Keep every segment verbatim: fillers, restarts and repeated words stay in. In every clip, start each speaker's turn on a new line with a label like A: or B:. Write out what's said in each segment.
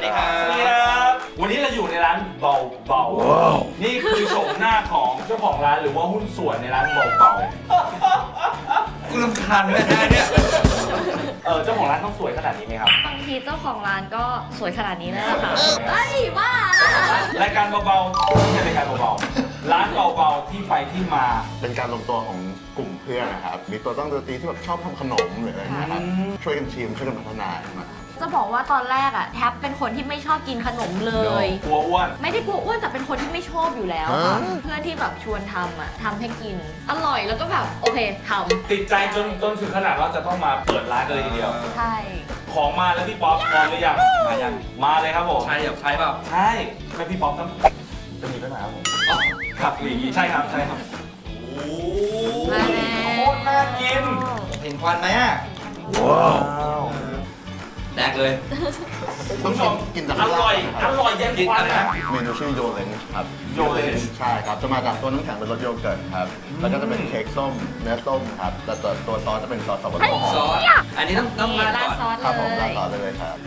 A: ดีครับ
B: สวัสดีครับวันนี้เราอยู่ในร้านเบาเบานี่คือโฉมหน้าของเจ้าของร้านหรือว่าหุ้นส่วนในร้านเบาเบา
A: กูรำคาญเลยนะเนี่ย
B: เออเจ้าของร้านต้องสวยขนาดนี้ไหมครับ
C: บางทีเจ้าของร้านก็สวยขนาดนี้เลยล่ะค่ะเอ้ยว่านะ
B: รายการเบาๆไม่ใช่รายการเบาๆร้านเบาๆที่ไปที่มา
D: เป็นการรวมตัวของกลุ่มเพื่อนนะครับ มีตัวตั้งดนตรีที่แบบชอบทำขนมหรืออะไรอย่างเงี้ยครับ ช่วยกันชิมช่วยกันพัฒนาขึ้นมา
C: จะบอกว่าตอนแรกอะแท็บเป็นคนที่ไม่ชอบกินขนมเลย
B: กลัวอ้วน
C: ไม่ได้กลัวอ้วนแต่เป็นคนที่ไม่ชอบอยู่แล้วค่ะเพื่อนที่แบบชวนทำอะทำให้กิน อร่อยแล้วก็แบบโอเคทำ
B: ติดใจจนจนถึงขนาดว่าจะต้องมาเปิดร้านกันเลยทีเดียว
C: ใช่
B: ของมาแล้วพี่ป๊อปพร้อมหรือยัง
A: มายัง
B: มาเลยครับผม
A: ใช่เหรอใช่เปล่า
B: ใช่ไม่พี่ป๊อปต้องจะมีด้วยนะครับผม
A: อ๋อครับอย่างงี้
B: ใช่ครับใช่ครับ
A: โอ้
C: มาแล้ว
B: โคตรน่ากิน
A: เห็นควันไหมอ่ะ
B: ว้าว
A: แดกเลย
B: คุณผู้ชม
D: กินจาก
B: อร่อย
D: ค
B: อ
D: รับ
B: ร่อยเย็นควันนะ
D: เมนูชื่อโยเลนครับ
B: โยเลน
D: ใช่ครับ จะมาจากตัวน้ำแข็งเป็นรสโยเกิร์ตครับ แล้วก็จะเป็นเค้กส้มเนื้อส้มครับแต่ตัวตัวซอสจะเป็นซอสสับปะรด
A: ซอส อันนี้ต้องต้อง
C: นี่
A: ราด
C: ราดซ
A: ก่
C: อ
A: อน
C: ส
D: ครับผม
C: เล
D: ราด
C: ย
D: ซอสเลยครับ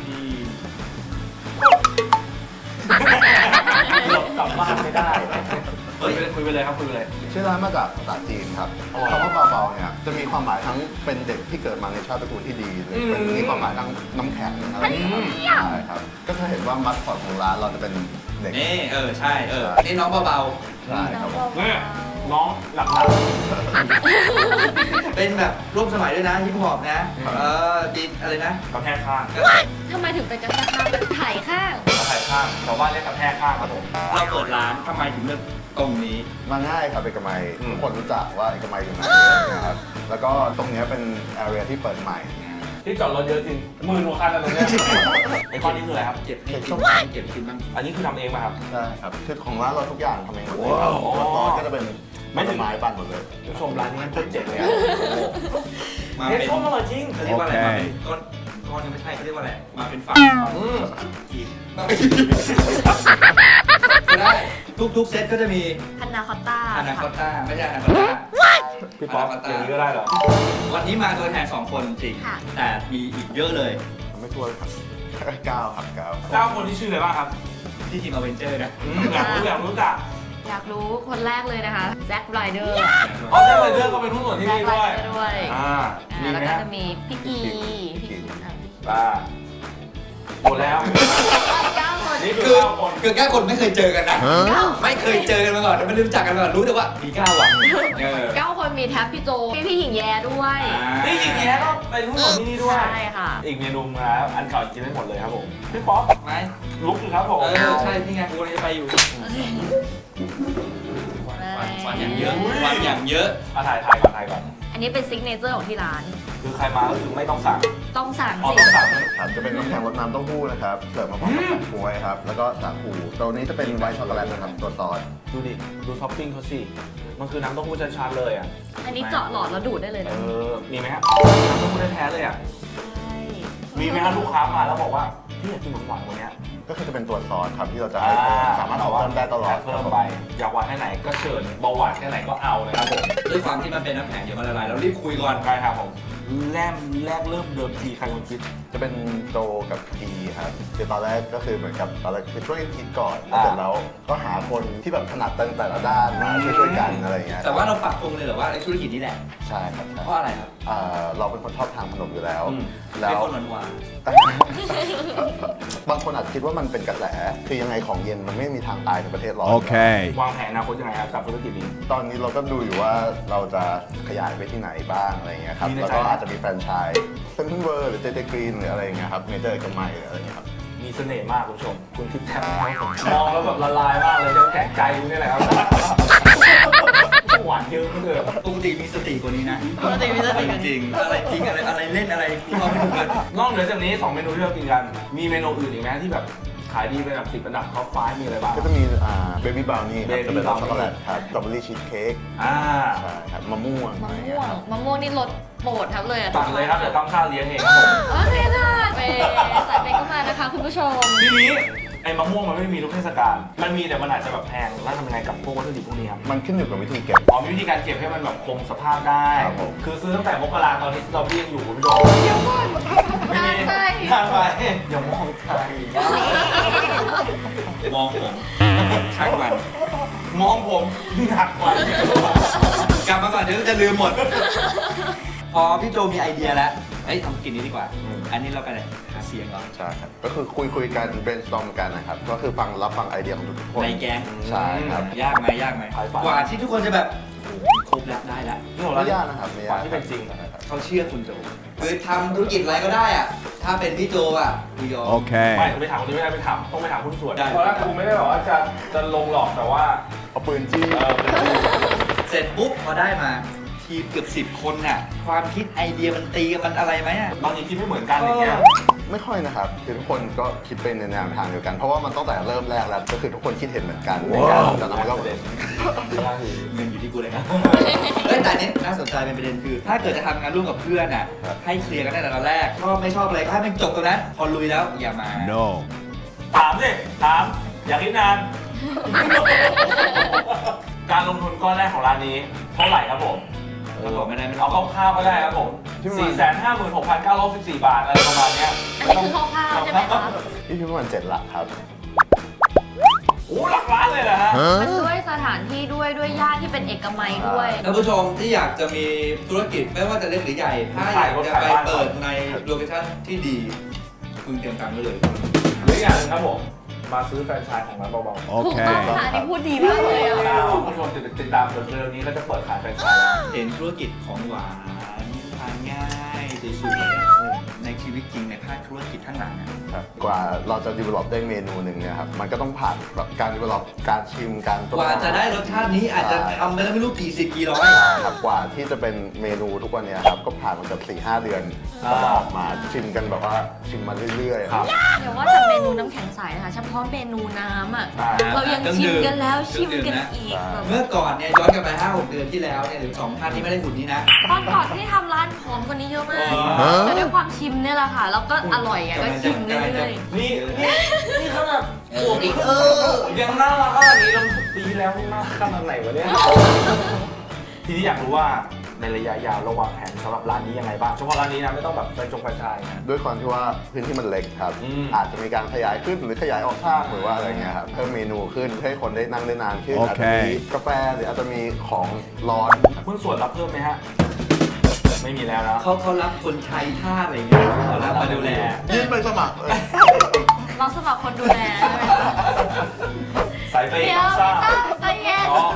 B: หลบกลับบ้านไม่ได้คุยไปเลยคุยไปเลยครับคุยไปเลย
D: ชื่อร้านมาจากภาษาจีนครับ
B: อ๋อ
D: คำว่าเบาๆเนี่ยจะมีความหมายทั้งเป็นเด็กที่เกิดมาในชาติตระกูลที่ดีหรือเป็น
B: อืม
D: มีความหมายทั้งน้ำแข็งอะไรอย่างเงี้ยครับใช่ครับ ก็จะเห็นว่ามัสคอตของร้านเราจะเป็นเด็ก
A: นี่เออใช่เออ นี่น้องเบา
D: ใช่ครับผม
B: เนี่ยน้องหลัก
A: ๆ เป็นแบบร่วมสมัยด้วยนะฮิปฮอปนะ เออดีอะไรนะ
B: ๆกระแทกข้าง
C: ทำไมถึงเป็นกระแทกข้างถ่ายข้าง
B: กระแทกข้างชาวบ้านเรียกกระแทกข้างครับผม
A: เราเปิดร้านทำไมถึงเลือกตรงนี้
D: มาง่ายครับเอกมัย
B: อืม
D: ทุกคนรู้จักว่าเอกมัยอยู่ไหนอะไรเงี้ยครับแล้วก็ตรงเนี้ยเป็น area ที่เปิดใหม่
B: ที่จอดรถเยอะจริงหมื่นกว่าคันอะตรงเนี้ยไอ้ข้อนี้คืออะไรครับ
A: เก็บให้
D: เก็บ
A: กิ
D: ส้
A: น
D: ม
A: เก็บให้กินบ้าง
B: อันนี้คือทำเองป่ะครับ
D: ใช่ครับคือของร้านเราทุกอย่างทำเองหมดเลยครับ
B: ว้าว
D: ตัวซอสก็จะเป็น
B: ไม่
D: ไม่
B: ถึ
D: ถึ
B: ง
D: งไม้ปั้นหมดเลย
B: ผู้ชมร้านนี้มันโคตรเจ๋งเลยอะ
A: มา
B: เฮ้ย
A: เป็น
B: ส้มอร่อยจริง
A: เขาเรียกว่าอะไรมาเป็นก้อนก้อนยังไม่ใช่เขาเรียกว่าอะไร มาเป็นฝัก
B: อืม
A: กีบก็ได้ทุกทุกเซตก็จะมี
C: พันนาคอตต้า
A: อนาคอต้าไม่ใช่อนาคอต้า
B: พี่ป๊อปอย่างนี้ก็ได้เหรอ
A: วันนี้มาตัวแทนสองคนจริง
C: ค่ะ
A: แต่มีอีกเยอะเลย
D: ไม่ทั่วครับ เก้าครับเก้า
B: เจ้าคนที่ชื่ออะไรบ้างครับ
A: ที่ทีมอเวนเจอร์นะ
B: อืมอยากรู้อยากรู้จัก
C: อยากรู้คนแรกเลยนะคะแจ็คไรเดอร์
B: อ๋อเจ้าไรเดอร์ก็เป็นหุ้นส่วนที่
C: แจ็ค
B: นี่
C: ไร
B: ด้วย
C: เดอร์ด้วย
B: อ่ามี
C: อ่า
B: ไห
C: แล้ว
B: ม
C: ก็
B: ฮะ
C: จะมีพี่กีพี่กีอ่ะ
B: อ่าหมดแล้ว
C: เก้าคน
B: นี่คื
A: คือ อ
B: เก้าคน
A: คือแค่คนไม่เคยเจอกันนะ ไม่เคยเจอกันมาก่อนไม่รู้จักกันมาก่อนรู้แต่ว่ามีเก้าอ่ะเออ
C: เก้าคนมีแท็บพี่โจมีพี่หญิงแย้ด้วย
B: นี่จริงๆแล้วก็เป็นหุ้นส่วนที่นี่ด้วย
C: ใช่ค่ะ
B: อีกเมนูมาแล้วอันเก่ากินได้หมดเลยครับผมพี่ป๊อป
A: ไหม
B: ลุกอยู่ครับผม
A: เออใช่พี่ไงกูเลยจะไปอยู่ควันควันอย่างเยอะควันอย่างเยอะ
B: มาถ่ายถ่ายก่อนถ่ายก่อน
C: อันนี้เป็นซิกเนเจอร์ของที่ร้าน
B: คือใครมาก็คือไม่ต้องสั่ง
C: ต้องสั่ง
B: อ๋อ
C: สิ
B: ต้องสั่ง
D: ครับจะเป็นน้ำแข็งรสน้ำเต้าหู้นะครับเสิร์ฟมาพร้อมกับแปะกล้วยครับแล้วก็สาคูตัวนี้จะเป็นไวท์ช็อกโกแลตนะครับตัวซอส
B: ดูดิ ดูท็อปปิ้งเขาสิ มันคือน้ำเต้าหู้ชัดๆเลยอ่ะ
C: อันนี้เจาะหลอดแล้วดูดได้เลย
B: เอ
C: นะ
B: อ มีไหมฮะน้ำเต้าหู้แท้ๆเลยอ่ะ
C: ใช่
B: มีไหมฮะลูกค้ามาแล้วบอกว่าพี่อยากกินหวานๆกว่านี้
D: ก็คือจะเป็นตัวซอสครับที่เราจะให้สามารถเอาเพิ่มได้ตลอด
B: เพิ่มไป อยากหวานแค่ไหนก็เชิญเบาหวานแค่ไหนก็เอาเลยครับผม
A: ด้วยความที่มันเป็นน้ำแข็งเดี๋ยวมันละลายเรารีบคุยก่อน
B: ใช่ครับผมแรกแรกเริ่มเดิมทีใครคนคิด
D: จะเป็นโจกับพีครับคือตอนแรกก็คือเหมือนกับตอนแรกคือช่วยคิดก่อนแล้วเสร็จแล้วก็หาคนที่แบบถนัดตั้งแต่ละด้านมาช่วยๆกันอะไรอย่างเงี้ย
A: แต่ว่าเราปรับปรุงเลยเหรอว่าไอ้ธุรกิจนี้แหละ
D: ใช่ครับใช่
A: เพราะอะไรครับ
D: อ่าเราเป็นคนชอบทานขนมอยู่แล้ว
B: อืม
D: แล้
A: เป็น
D: ว
A: คนหวาน
D: บางคนอาจจะคิดว่ามันเป็นกระแส คือยังไงของเย็นมันไม่มีทางตายในประเทศเรา
E: Okay.
B: วางแผนอนาคตยังไงครับกับธุรกิจนี้
D: ตอนนี้เราก็ดูอยู่ว่าเราจะขยายไปที่ไหนบ้างอะไรอย่างเงี้ยครับ
B: มีใน
D: แล้ว
B: ใจ
D: ก็
B: ไหม
D: อาจจะมีแฟรนไชส์เซนต์เวอร์หรือเจเจกรีนหรืออะไรอย่างเงี้ยครับเมเจอร์เอกมัยหรืออะไรอย่างเงี้ยครับ
B: มีเสน่ห์มากคุณผู้ชม คุณคิดแทบไม่ผมมองแล้วแบบละลายมากเลยจะแข็งใจคุณนี่แหละครับหวานเยอะมากเลย
A: ๆปกติมีสติกว่านี้นะ
C: ปกติมีสติกว่านี้
A: จริงๆอะไรทิ้งอะไรอะไรเล่นอะไรที่เราไม่ถูกกัน
B: นอกเหนือจากนี้สองเมนูที่เรากินกัน มีเมนูอื่นอีกไหมที่แบบขายดีเป็นแบบติดอันดับท็อปไฟว์มีอะไรบ้าง
D: ก็จะมีอ่าเบบี้บราวนี่ครับ
B: Baby
D: จะเป็นรสช็อกโกแลต
B: brownie
D: ครับสตรอเบอรี่ชีสเค้ก
B: อ่า
D: ใช่ครับมะม่วง
C: มะ
D: อะไรอย่างเงี้
C: ม่
D: ยว
C: ง
D: ครับ
C: มะม่วงนี่รสโปรดครับเลยอะ
B: ตัดเลยครับเดี๋ยวตั้งค่าเลี้ยงเองครับผม
C: โอเคค่ะเปสายเปก็มานะคะคุณผู้ชม
B: ทีนี้ไอ้มะม่วงมันไม่มีทุกเทศกาล มันมีแต่มันอาจจะแบบแพง แล้วทำยังไงกับพวกวัตถุดิบพวกนี้ครับ
D: มันขึ้นอยู่กับวิธีเก็บ
B: อ๋อมีวิธีการเก็บให้มันแบบคงสภาพได้
D: ครับผม
B: คือซื้อตั้งแต่มกราตอนนี้สตรอเบอรี่ยังอยู่คุณผู้ชม
C: เดี๋ยวก่อนนานไป
B: ทานไปอย่ามองใคร
A: มองผมช่างมัน
B: มองผมหนักกว่า
A: กลับมาก่อนเดี๋ยวจะลืมหมด พอพี่โจมีไอเดียแล้วเฮ้ยทำกินนี้ดีกว่า อันนี้เราไปเลยหาเสียงเหรอ
D: ใช่ครับก็คือคุยคุยกัน brainstorm กันนะครับก็คือฟังรับฟังไอเดียของทุกๆคน
A: ในแก๊ง
D: ใช่ครับ
A: ยากไหมยากไหมกว่าที่ทุกคนจะแบบโอ้โหครบแล้วได้แล้ว
B: นี่ของ
D: ไม่
B: เรา
D: ยากนะครับไม่
B: กว่าย
D: าก
B: ที่เป็นจริง
A: เขาเชื่อคุณโจคือทำธุรกิจอะไรก็ได้อะถ้าเป็นพี่โจอะกูยอม
E: Okay.
B: ไม่ไปถามคนนี้ไม่ได้ไปถามต้องไปถามหุ้นส่วน
A: ได้
B: เพราะว่ากูไม่ได้บอกว่าจะจะลงหลอกแต่ว่า
D: เอาปืนจี้
B: เออเป็นที่
A: เสร็จปุ๊บพอได้มาทีมเกือบสิบคนน่ะความคิดไอเดียมันตีกันมันอะไรไหมอะ
B: บางทีคิดไม่เหมือนกันอย่างเงี้ย
D: ไม่ค่อยนะครับคือทุกคนก็คิดเป็นในแนวทางเดียวกัน เพราะว่ามันตั้งแต่เริ่มแรกแล้วก็คือทุกคนคิดเห็นเหมือนกันในการแต่เราก็
B: ประเด็นที่ว่าคือ
A: เงินอยู่ที่กูเลยนะ เฮ้ยแต่อันนี้น่าสนใจเป็นประเด็นคือ ถ้าเกิดจะทำงานร่วมกับเพื่อนอ่ะ ให้เคลียร์กันตั้งแต่ตอนแรก ชอบไม่ชอบอะไรก็ให้มันจบตรงนั้น พอลุยแล้วอย่ามา
E: No.
B: ถามสิถามอย่าคิดนาน การลงทุนก้อนแรกของร้านนี้เท่าไหร่ครับผม
A: เราบอกไม่ได้ไม่ต้
B: เอา
A: อง
B: คร่าวๆก็ได้ครับผม สี่แสนห้าหมื่นหกพันเก้าร้อยสิบสี่ บาทอะไรประมาณเนี้ย
C: อันนี้คือคร่าวๆใช่ไหมคะ
D: ที่ประมาณเจ็ดหลักครับ
B: โอ้หลักล้านเลยเหรอฮะ
C: มันด้วยสถานที่ด้วยด้วยย่านที่เป็นเอกมัยด้วย
A: ท่านผู้ชมที่อยากจะมีธุรกิจไม่ว่าจะเล็กหรือใหญ่ ถ้าอยากจะไปเปิดในโลเคชั่นที่ดีคุณเตรียมตังค์ไว้เลย
B: หรืออย่างหนึงครับผม มาซื้อแฟรนไชส์ของร้านเบาๆ
C: ถูกต้อง
E: Okay.
C: ค่ะอันนี้พูดดีมากเลยอะ
B: ถ้าคุณผู้ชมติดติดตามเร็วๆนี้ก็จะเปิดขายแฟรนไชส์แล้ว
A: เห็นธุรกิจของหวานทานง่ายสวยๆในชีวิตจริงในภาคธุรกิจข้างหลังอะ
D: ครับกว่าเราจะ develop ได้เมนูหนึ่งเนี่ยครับ มันก็ต้องผ่านแบบการ develop การชิม การทด
A: ก
D: ลอง
A: ว่าจะได้รสชาตินี้อาจจะทำไปแล้วไม่รู้กี่สิบกี่ร้อย
D: ใช่ครับ กว่าที่จะเป็นเมนูทุกวันเนี้ครับ ก็ผ่านมาเกือบสี่ห้าเดือนกว่าจะออกมาชิมกันแบบว่าชิมมาเรื่อยๆ
B: ครับ
C: เดี๋ยวว่าแต่เมนูน้ำแข็งใสนะคะเฉพาะเมนูน้ำอ่ะ
B: อ่า
C: เรายังชิมกันแล้วชิมกันอีกแบบ
A: เมื่อก่อนเนี่ยย้อนกลับไปห้าหกเดือนที่แล้วเนี่ยหรือสองท่านที่ไม่ได้หุ่นนี้นะ
C: ตอนก่อนที่ทำร้านผอมกว่านี้เยอะมาก
A: อ๋อ
C: แต่ด้วยความชิมเนี่ยแหละค่ะ แล้วก็อร่อยอ่ะก็ชิมเรื่อย
B: นี่นี่นี่ขนาด
A: เอออีกเออ
B: ยังน่ารักขนาดนี้เราปีแล้วน่าขนาดไหนวะเนี่ย ทีนี้อยากรู้ว่าในระยะยาวเราวางแผนสำหรับร้านนี้ยังไงบ้างเฉพาะร้านนี้นะไม่ต้องแบบไปจงไปชายนะ
D: ด้วยความที่ว่าพื้นที่มันเล็กครับ
B: อืม
D: อาจจะมีการขยายขึ้นหรือขยายออกข้างหรือว่าอะไรเงี้ยครับ เพิ่มเมนูขึ้นให้คนได้นั่งได้นานขึ้น
E: โอ
D: อาจ
E: เค
D: จะมีกาแฟหรืออาจจะมีของร้อน
B: หุ้นส่วนรับเพิ่มไหมฮะ ไม่มีแล้วนะ
A: เขาเขารับคนใช้ท่าอะไรอย่างเงี้ยเขารับมาดูแล
D: ยื่นไปสมัครเลย
C: ๆเราสมัครคนดูแลใช่ไหมคะ
B: สายเปย์
C: เดี๋ยว
B: ต้องทราบ
C: พี่ตั้มใจเย็น
B: อ๋อก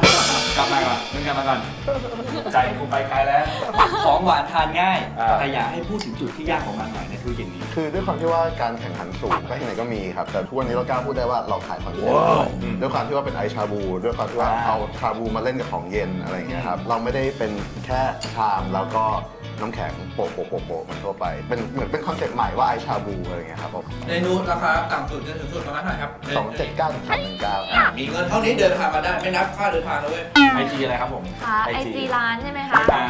A: ลับมาก่อนมึงกลับมาก่อน
B: ใจคุณไปไกลแล้ว
A: ของหวานทานง่าย
B: อ่า
A: แต่อยากให้พูดถึงจุดที่ยากของมันหน่อยในธุรกิจนี้
D: คือด้วยความที่ว่าการแข่งขันสูงก็ที่ไหนก็มีครับ แต่ทุกวันนี้เรากล้าพูดได้ว่าเราขายคอนเทนต์ด้วยความที่ว่าเป็นไอชาบู ด้วยความที่ว่า
B: อ่า
D: เอาชาบูมาเล่นกับของเย็นอะไรอย่างเงี้ยครับ เราไม่ได้เป็นแค่ชามแล้วก็น้ำแข็งโปะโปะโปะโปะเหมันทั่วไป เป็นเหมือนเป็นคอนเซ็ปต์ใหม่ว่าไอชาบูอะไรอย่างเงี้ยครับผม
A: เมนูราคาต่ำสุดจนถึงสุดประมาณเท่าไหร่ครับ
D: สองเจ็ดเก้าถึงสามหนึ่งเก้า
A: อ่ะมีเงินเท่านี้เดินทางมาได้ไม่นับค่าเดินทางเลยเว้ย
B: ไอจีอะไรครับผม
C: ค่ะไอจีร้านใช่ไหมคะ
A: อ่า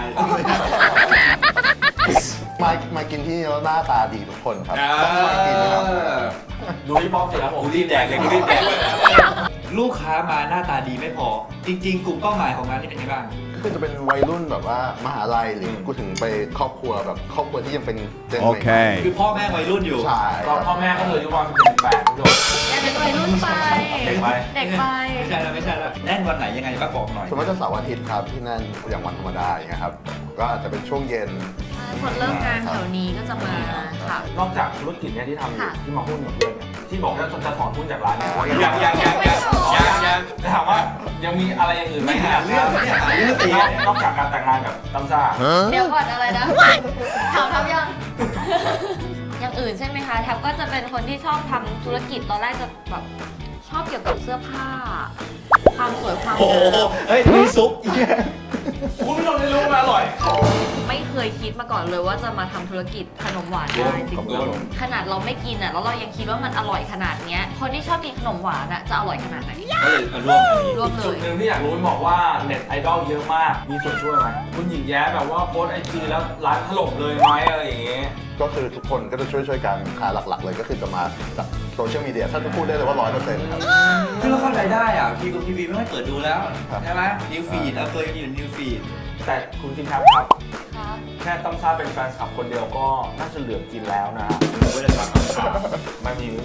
D: มามากินที่นี่แล้วหน้าตาดีทุกคนครับต้องมากินนะครับ
B: ดูที่บล็อกสิครับผม
A: กูรีบแดกเลยกูรีบแดกเลยลูกค้ามาหน้าตาดีไม่พอ จริง ๆ กลุ่มเป้าหมายของร้านนี่เป็นยังไงบ้าง
D: คือจะเป็นวัยรุ่นแบบว่ามหาลัยหรือกูถึงไปครอบครัวแบบครอบครัวที่ยังเป็นเจนใหม่
E: Okay.
A: คือพ่อแม่วัยรุ่นอยู่
D: ใช่ค
B: ก็
D: รับ
B: พ่อแม่ก็คืออายุประมาณสิบเจ็ดแปดคุณผู้ชม
C: อย่าเป็นวัยรุ่นไป
B: เด็กไป
C: เด็กไป
A: ไม่ใช่แล้วไม่ใช่แล้วแน่นวันไหนยังไงป้าบอกหน่อย
D: สมมติจะเสาร์อาทิตย์ครับที่นั่นอย่างวันธรรมดาอย่างเงี้ยครับก็อาจจะเป็นช่วงเย็น
C: คนเลิกงานแถวนี้ก็จะมาค่ะ
B: นอกจากธุรกิจเนี่ยที่ทำอยู่
C: ค่ะ
B: ที่มาหุ้นกับเพื่อนเนี่ยที่บอกว่าจะถอนหุ้นจากร้านเนี่ย
A: ยังยังยังยังยังยัง
B: จะถามว่ายังมีอะไรอย่างอื่นไหม
A: ไม่หาเรื่องเนี่ยหาเรื่องตี
B: นอกนอกจากการแต่งงานกับตั้มซ่า
C: เดี๋ยวก่อนอะไรนะถามทับยัง อย่างอื่นใช่ไหมคะแท็บก็จะเป็นคนที่ชอบทำธุรกิจตอนแรกจะแบบชอบเกี่ยวกับเสื้อผ้า ความสวยความ
A: โอ้โห
C: งาม
A: เฮ้ยมีซุป
B: คุณผู้ชมได้รู้มาอร่อย
C: ไม่เคยคิดมาก่อนเลยว่าจะมาทำธุรกิจขนมหวานได้จริ
D: ขอบคุณครับผม
C: งๆขนาดเราไม่กินอ่ะแล้วเรายังคิดว่ามันอร่อยขนาดเนี้ยคนที่ชอบกินขนมหวานอ่ะจะอร่อยขนาดไหน
A: ก็เลยมาร่วมอันนี้
C: ร่วมเล
B: จุด
C: ย
B: หนึ่งที่อยากรู้บอกว่าเน็ตไอดอลเยอะมาก มีส่วนช่วยไหมคุณหญิงแย้แบบว่าโพสไอจีแล้วร้านถล่มเลยไหมอะไรอย่างเงี้ย
D: ก็คือทุกคนก็จะช่วยช่วยๆกันค่าหลักๆ เลยก็คือจะมาจากโซเชียลมีเดียถ้าจะพูดได้เลยว่าร้อยเปอร์เซ็นต์ครับ
A: คือเราเข้าใจได้อ่ะทีกับทีวีไม่ค่อยเปิดดูแล้ว
D: ครับ
A: ใช่ไหมนิวฟีดเราเคยอยู่นิวฟีด
B: แต่คุณคิงครับครับ
C: ค่ะ
B: แค่ตั้มซ่าเป็นแฟนคลับคนเดียวก็น่าจะเหลือกินแล้วนะฮะ
A: ไม่ได้ฟัง
B: ไม่มีไม่มี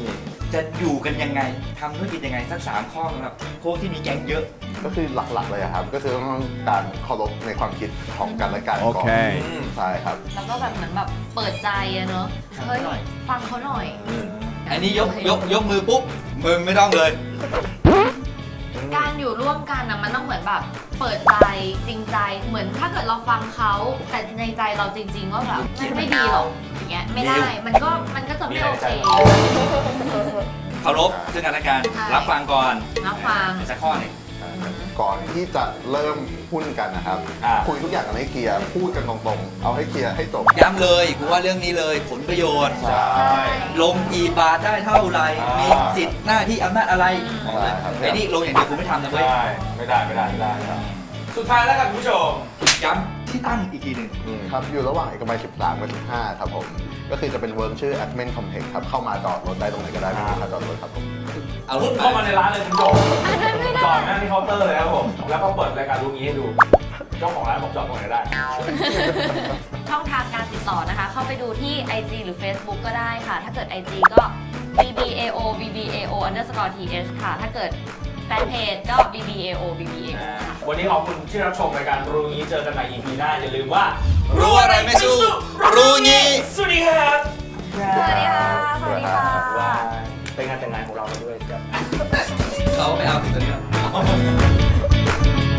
A: จะอยู่กันยังไงทำธุรกิจยังไงสักสามข้อสำหรับพวกที่มีแก๊งเยอะ
D: ก็คือหลักๆเลยอะครับ ก็คือต้องการเคารพในความคิดของกันและกันก่อน
E: โอเค
D: ใช่ครับ
C: แล้วก็แบบเหมือนแบบเปิดใจอะเนาะเฮ้ยฟังเขาหน่อย
A: อันนี้ยกยกยกมือปุ๊บมึงไม่ต้องเลย
C: การอยู่ร่วมกันนะมันต้องเหมือนแบบเปิดใจจริงใจเหมือนถ้าเกิดเราฟังเขาแต่ในใจเราจริงๆว่าแบบมันไม่ดีหรอกอย่างเงี้ยไม่ได้มันก็มันก็จะไม่โอเค
A: เคารพซึ่งกันและกัน
C: ใช่
A: รับฟังก่อน
C: รับฟัง
A: สักข้อหนึ่ง
D: ก่อนที่จะเริ่มหุ้นกันนะครับ
B: อ่า
D: คุยทุกอย่างกันให้เคลียร์ พูดกันตรงๆ เอาให้เคลียร์ให้จบ
A: ย้ำเลยกูว่าเรื่องนี้เลยผลประโยชน์
D: ใช่
A: ลงกี่บาทได้เท่าไหร่
B: อ่ามี
A: มีสิทธิ์หน้าที่อำนาจอะไร
D: ใช่ครับ
A: ไอ้นี่ลงอย่างเดียวกูไม่ทำนะเว้ย
B: ใช่ไม่ได้ไม่ได้ไม่ได้ครับสุดท้ายแล้วกันคุณผู้ชม
A: ย้ำที่ตั้งอีกทีหนึ่ง
D: ครับ อยู่ระหว่างเอกมัยสิบสามกับสิบห้าครับผม ก็คือจะเป็นเวิร์กชื่อ Admin Complex ครับ เข้ามาจอดรถได้ตรงไหนก็ได้ไม่มีค่าจอดรถครับผม
A: เอาร
B: พุ่
A: ถ
B: ง
A: มา
B: เข้ามาในร้านเลยคุณผู้ชม
C: อันนั้นไม่ได้
B: จอดหน้าที่เคาน์เตอร์เลยครับผมแล้วก็เปิดรายการรู้งี้ให้ดูเจ้าของร้านบอกจอดตรงไหนได้
C: ช่องทางการติดต่อนะคะ เข้าไปดูที่ ไอ จี หรือ Facebook ก็ได้ค่ะ ถ้าเกิด ไอ จี ก็ บี บี เอ โอ บี บี เอ โอ underscore ที เอช ค่ะ ถ้าเกิดแฟนเพจก็ บี บี เอ โอ บี บี เอ โอ ค่ะ
B: วันนี้ขอบคุณที่รับชมรายการรู้งี้เจอกันใหม่ อี พี หน้าอย่าลืมว่า
A: รู้อะไรไม่สู้รู้งี้
B: สวัสดีครับ
C: สวัสดีค่ะ สวัสดีค่ะ
B: เป็นงานแต่งงานของเราด้วยครับ
A: เขาไม่เอาถึงตัวนี้หรอก